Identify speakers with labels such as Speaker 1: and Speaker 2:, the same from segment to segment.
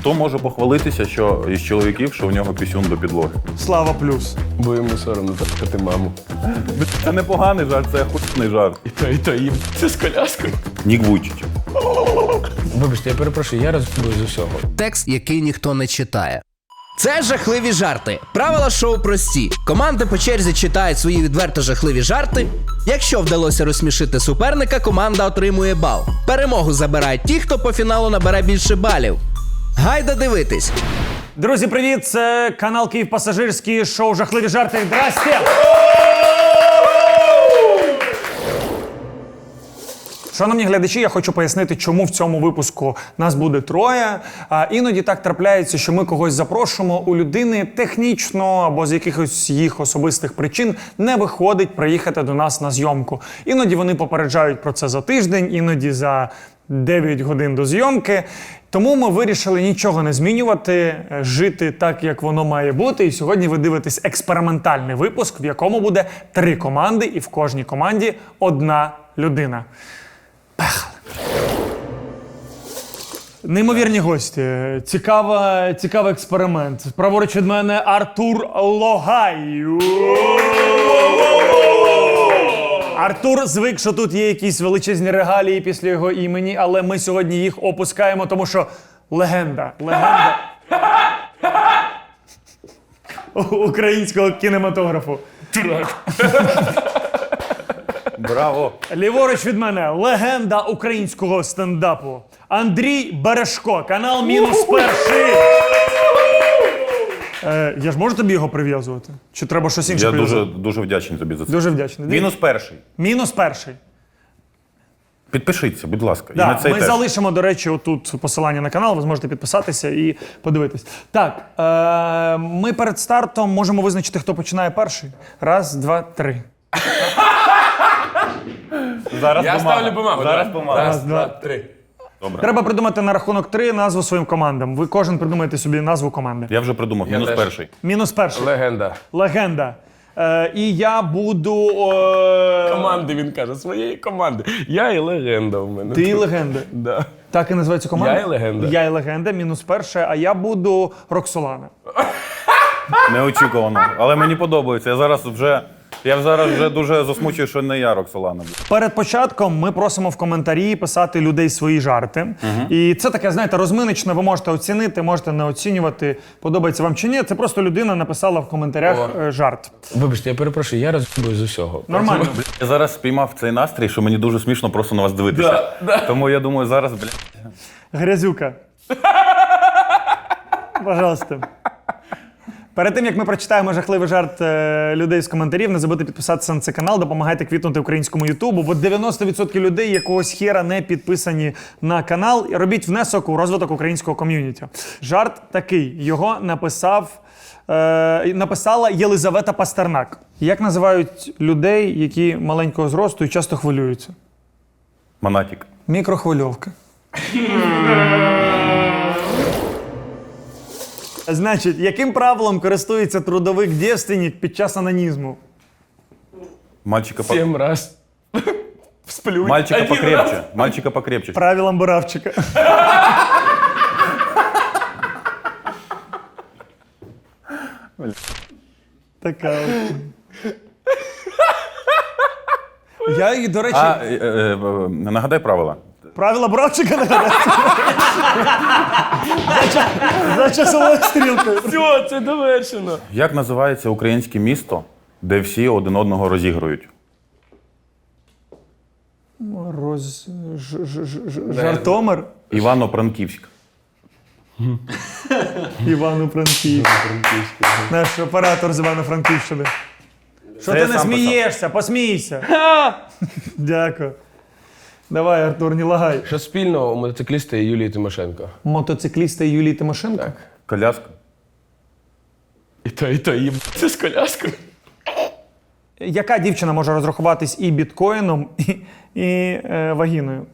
Speaker 1: Хто може похвалитися, що із чоловіків, що в нього пісюн до підлоги?
Speaker 2: Слава плюс.
Speaker 3: Бо йому соромно запитати маму.
Speaker 1: Це не поганий жарт, це охуєнний жарт.
Speaker 3: І то їм. Це з коляскою.
Speaker 1: Нік Вуйчич.
Speaker 3: Вибачте, я перепрошую, я розумію з усього.
Speaker 4: Текст, який ніхто не читає. Це жахливі жарти. Правила шоу прості. Команди по черзі читають свої відверто жахливі жарти. Якщо вдалося розсмішити суперника, команда отримує бал. Перемогу забирають ті, хто по фіналу набере більше балів. Гайда дивитись.
Speaker 2: Друзі, привіт! Це канал Київ Пасажирський, шоу «Жахливі жарти». Здрасте! Шановні глядачі, я хочу пояснити, чому в цьому випуску нас буде троє. Іноді так трапляється, що ми когось запрошуємо, у людини технічно або з якихось їх особистих причин не виходить приїхати до нас на зйомку. Іноді вони попереджають про це за тиждень, іноді за 9 годин до зйомки. Тому ми вирішили нічого не змінювати, жити так, як воно має бути. І сьогодні ви дивитесь експериментальний випуск, в якому буде 3 команди, і в кожній команді 1 людина. Пехали. Неймовірні гості. Цікавий експеримент. Праворуч від мене Артур Логай. Артур звик, що тут є якісь величезні регалії після його імені, але ми сьогодні їх опускаємо, тому що легенда українського кінематографу.
Speaker 1: Браво!
Speaker 2: Ліворуч від мене легенда українського стендапу. Андрій Бережко, канал «Мінус перший». Я ж можу тобі його прив'язувати? Чи треба щось інше
Speaker 1: Я
Speaker 2: прив'язувати?
Speaker 1: дуже вдячний тобі за це.
Speaker 2: Дуже вдячний.
Speaker 1: Мінус перший.
Speaker 2: «Мінус перший».
Speaker 1: Підпишіться, будь ласка. І
Speaker 2: Да,
Speaker 1: на цей
Speaker 2: ми
Speaker 1: теж.
Speaker 2: залишимо, до речі, отут посилання на канал, ви зможете підписатися і подивитись. Так, ми перед стартом можемо визначити, хто починає перший. 1, 2, 3.
Speaker 1: Зараз
Speaker 3: Я
Speaker 1: помага.
Speaker 3: ставлю помагу.
Speaker 1: Зараз
Speaker 3: давай.
Speaker 1: помага.
Speaker 3: 1, 2, 3.
Speaker 1: Добре.
Speaker 2: Треба придумати на рахунок 3 назву своїм командам. Ви кожен придумаєте собі назву команди.
Speaker 1: Я вже придумав. Мінус
Speaker 3: теж.
Speaker 1: перший.
Speaker 2: «Мінус перший».
Speaker 3: Легенда.
Speaker 2: Легенда. І я буду...
Speaker 3: Команди, він каже, своєї команди. Я і легенда в мене.
Speaker 2: Ти і легенда.
Speaker 3: Да.
Speaker 2: Так і називається команда?
Speaker 3: Я і легенда.
Speaker 2: Я і легенда, «Мінус перший», а я буду Роксолана.
Speaker 1: Неочікувано. Але мені подобається. Я зараз вже дуже засмучую, що не я Роксолана.
Speaker 2: Перед початком ми просимо в коментарі писати людей свої жарти. І це таке, знаєте, розминочне, ви можете оцінити, можете не оцінювати, подобається вам чи ні. Це просто людина написала в коментарях жарт.
Speaker 3: Вибачте, я перепрошую, я розумію з усього.
Speaker 2: Нормально.
Speaker 1: Я зараз спіймав цей настрій, що мені дуже смішно просто на вас дивитися. Тому я думаю, зараз,
Speaker 2: Грязюка. Пожалуйста. Перед тим, як ми прочитаємо жахливий жарт людей з коментарів, не забудьте підписатися на цей канал, допомагайте квітнути українському ютубу, бо 90% людей якогось хера не підписані на канал. І робіть внесок у розвиток українського ком'юніті. Жарт такий. Його написала Єлизавета Пастернак. Як називають людей, які маленького зросту і часто хвилюються?
Speaker 1: Монатік.
Speaker 2: Мікрохвильовка. Значить, яким правилом користується трудовик дівственник під час анонізму?
Speaker 1: Мальчика
Speaker 3: 7 раз. Сплю.
Speaker 1: Мальчика
Speaker 3: Один
Speaker 1: покрепче.
Speaker 3: раз.
Speaker 1: Мальчика покрепче.
Speaker 2: Правилом Буравчика. Така от. Я її, до речі,
Speaker 1: Нагадай правила.
Speaker 2: правила Буравчика нагадаю. За часовою стрілкою.
Speaker 3: Все, це довершено.
Speaker 1: Як називається українське місто, де всі один одного розігрують?
Speaker 2: Жартомир.
Speaker 1: Івано-Франківськ.
Speaker 2: Івано-Франківськ. Наш оператор з Івано-Франківщини. Що
Speaker 1: Це
Speaker 2: ти
Speaker 1: я
Speaker 2: не
Speaker 1: сам
Speaker 2: смієшся? Посмійся. Дякую. Давай, Артур, не лагай.
Speaker 3: Що спільного у мотоцикліста і Юлії Тимошенко?
Speaker 2: Мотоцикліста Юлії Тимошенко?
Speaker 3: Так.
Speaker 1: Коляска.
Speaker 3: І то їм. Це з коляскою.
Speaker 2: Яка дівчина може розрахуватись і біткоїном, і вагіною?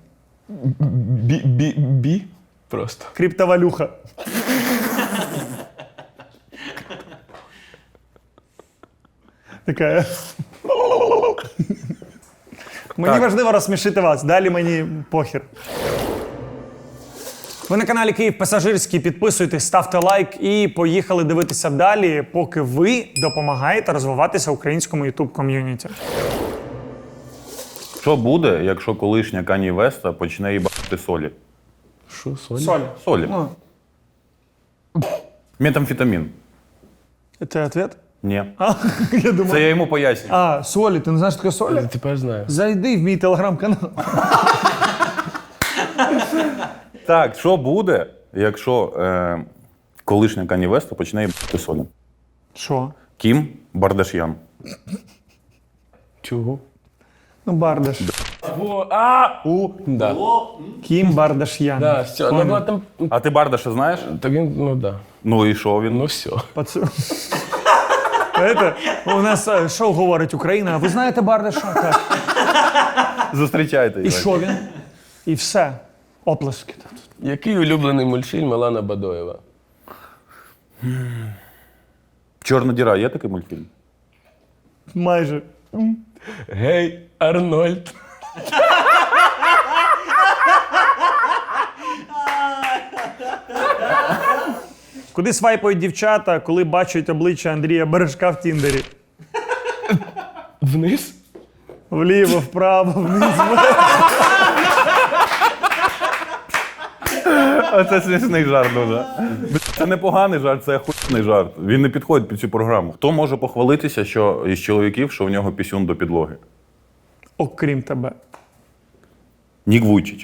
Speaker 3: Бі? Просто.
Speaker 2: Криптовалюха. Така. Мені
Speaker 1: Так.
Speaker 2: важливо розсмішити вас, далі мені похір. Ви на каналі Київ Пасажирський. Підписуйтесь, ставте лайк і поїхали дивитися далі, поки ви допомагаєте розвиватися українському YouTube ком'юніті.
Speaker 1: Що буде, якщо колишня Кані Веста почне їбати солі?
Speaker 3: Що, Соня?
Speaker 2: Соль.
Speaker 1: Солі.
Speaker 2: Ну,
Speaker 1: Метамфетамін.
Speaker 2: це відповідь?
Speaker 1: Ні.
Speaker 2: Я думаю.
Speaker 1: Це я йому пояснюю.
Speaker 2: А, солі, ти не знаєш, що таке солі?
Speaker 3: Тепер знаю.
Speaker 2: Зайди в мій телеграм-канал.
Speaker 1: Так, що буде, якщо колишня Кані Веста почне їбати солі?
Speaker 2: Що?
Speaker 1: Кім Бардаш'ян.
Speaker 3: Чого?
Speaker 2: Ну, Бардаш.
Speaker 3: Да.
Speaker 2: Кім Бардаш'ян.
Speaker 3: Да, все. Ну, ну, там...
Speaker 1: А ти Бардаша знаєш?
Speaker 3: Так він, ну да.
Speaker 1: Ну і що він?
Speaker 3: Ну все.
Speaker 2: Знаєте, у нас шоу говорить Україна, а ви знаєте Бардаша? Так.
Speaker 1: Зустрічайте
Speaker 2: І
Speaker 1: його.
Speaker 2: що він? І все. Оплески.
Speaker 3: Який улюблений мультфільм Алана Бадоєва?
Speaker 1: Чорна діра, є такий мультфільм?
Speaker 2: Майже.
Speaker 3: Гей, Арнольд.
Speaker 2: Куди свайпають дівчата, коли бачать обличчя Андрія Бережка в Тіндері?
Speaker 3: Вниз?
Speaker 2: Вліво, вправо, вниз.
Speaker 1: А це смішний жарт дуже. Це не поганий жарт, це охуєнний жарт. Він не підходить під цю програму. Хто може похвалитися, що із чоловіків, що в нього пісюн до підлоги?
Speaker 2: Окрім тебе.
Speaker 1: Нік Вуйчич.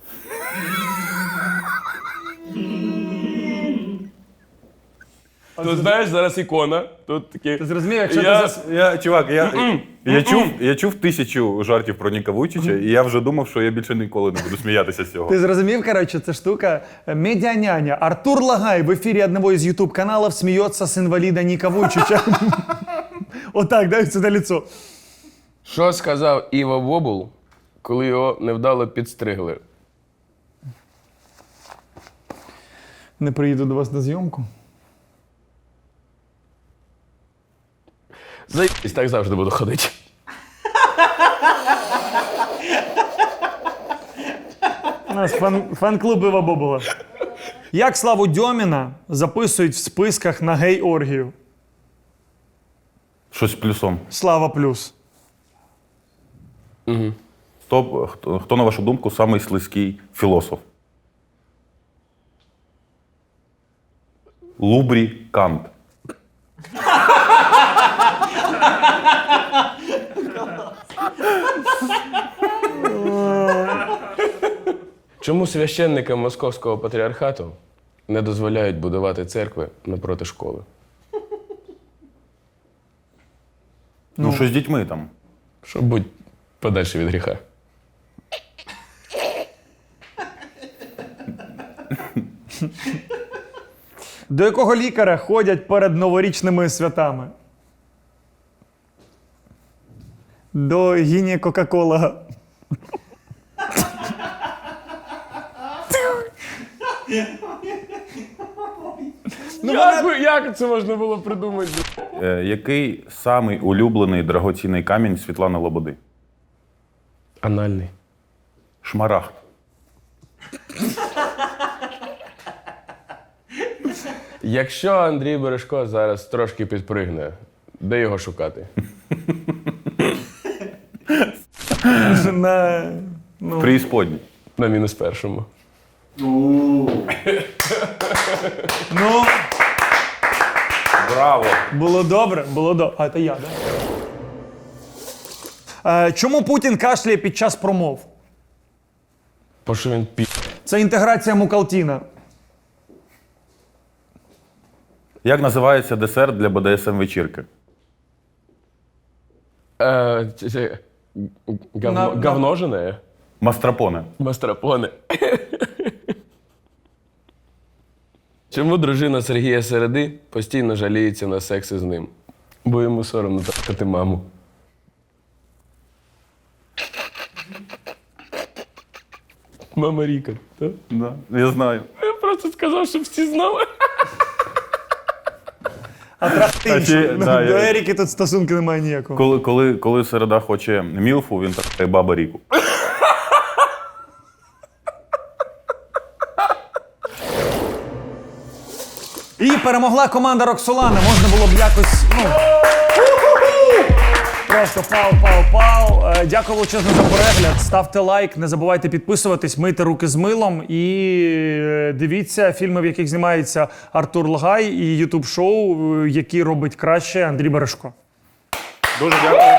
Speaker 3: Тут знаєш, зараз ікона. Тут такі...
Speaker 2: Ти зрозумів, якщо
Speaker 1: Чувак, я чув 1000 жартів про Ніка Вуйчича, і я вже думав, що я більше ніколи не буду сміятися з цього.
Speaker 2: Ти зрозумів, коротше, це штука медіаняня. Артур Лагай в ефірі одного із YouTube каналів сміється з інваліда Ніка Вуйчича. Отак, дай сюди лицо.
Speaker 3: Що сказав Іва Вобул, коли його невдало підстригли?
Speaker 2: Не приїду до вас на зйомку.
Speaker 3: Заїбись, так завжди буду ходити.
Speaker 2: У нас фан-клуб Іва Бобула. Як Славу Дьоміна записують в списках на гей-оргію?
Speaker 1: Щось з плюсом.
Speaker 2: Слава плюс.
Speaker 1: Хто, на вашу думку, самий слизький філософ? Лубрі Кант.
Speaker 3: Чому священникам Московського патріархату не дозволяють будувати церкви напроти школи?
Speaker 1: Ну, що з дітьми там?
Speaker 3: Щоб бути подальше від гріха.
Speaker 2: До якого лікаря ходять перед новорічними святами? До гінекокаколога.
Speaker 3: Як це можна було придумати?
Speaker 1: Який самий улюблений драгоцінний камінь Світлани Лободи?
Speaker 3: Анальний.
Speaker 1: Шмарагд.
Speaker 3: Якщо Андрій Бережко зараз трошки підпригне, де його шукати?
Speaker 1: В преісподній.
Speaker 3: На мінус першому.
Speaker 2: Ну,
Speaker 1: Браво!
Speaker 2: було добре, було добре. А, це я, так? Чому Путін кашляє під час промов?
Speaker 3: Бо що він
Speaker 2: Це інтеграція Мукалтіна.
Speaker 1: Як називається десерт для БДСМ-вечірки?
Speaker 3: Говножене?
Speaker 1: Мастрапоне.
Speaker 3: Мастрапоне. Чому дружина Сергія Середи постійно жаліється на секс із ним? Бо йому соромно трахати маму. Мама Ріка, так?
Speaker 1: Да, я знаю.
Speaker 3: Я просто сказав, щоб всі знали.
Speaker 2: А трахти іншу.
Speaker 1: чи- да,
Speaker 2: До
Speaker 1: я-
Speaker 2: Еріки тут стосунки немає ніякого.
Speaker 1: Коли Середа хоче мілфу, він так баба Ріку.
Speaker 2: І перемогла команда Роксолани. Можна було б якось, просто пау. Дякую величезно за перегляд. Ставте лайк, не забувайте підписуватись, мийте руки з милом і дивіться фільми, в яких знімається Артур Лагай, і ютуб-шоу, які робить краще Андрій Бережко.
Speaker 1: Дуже дякую.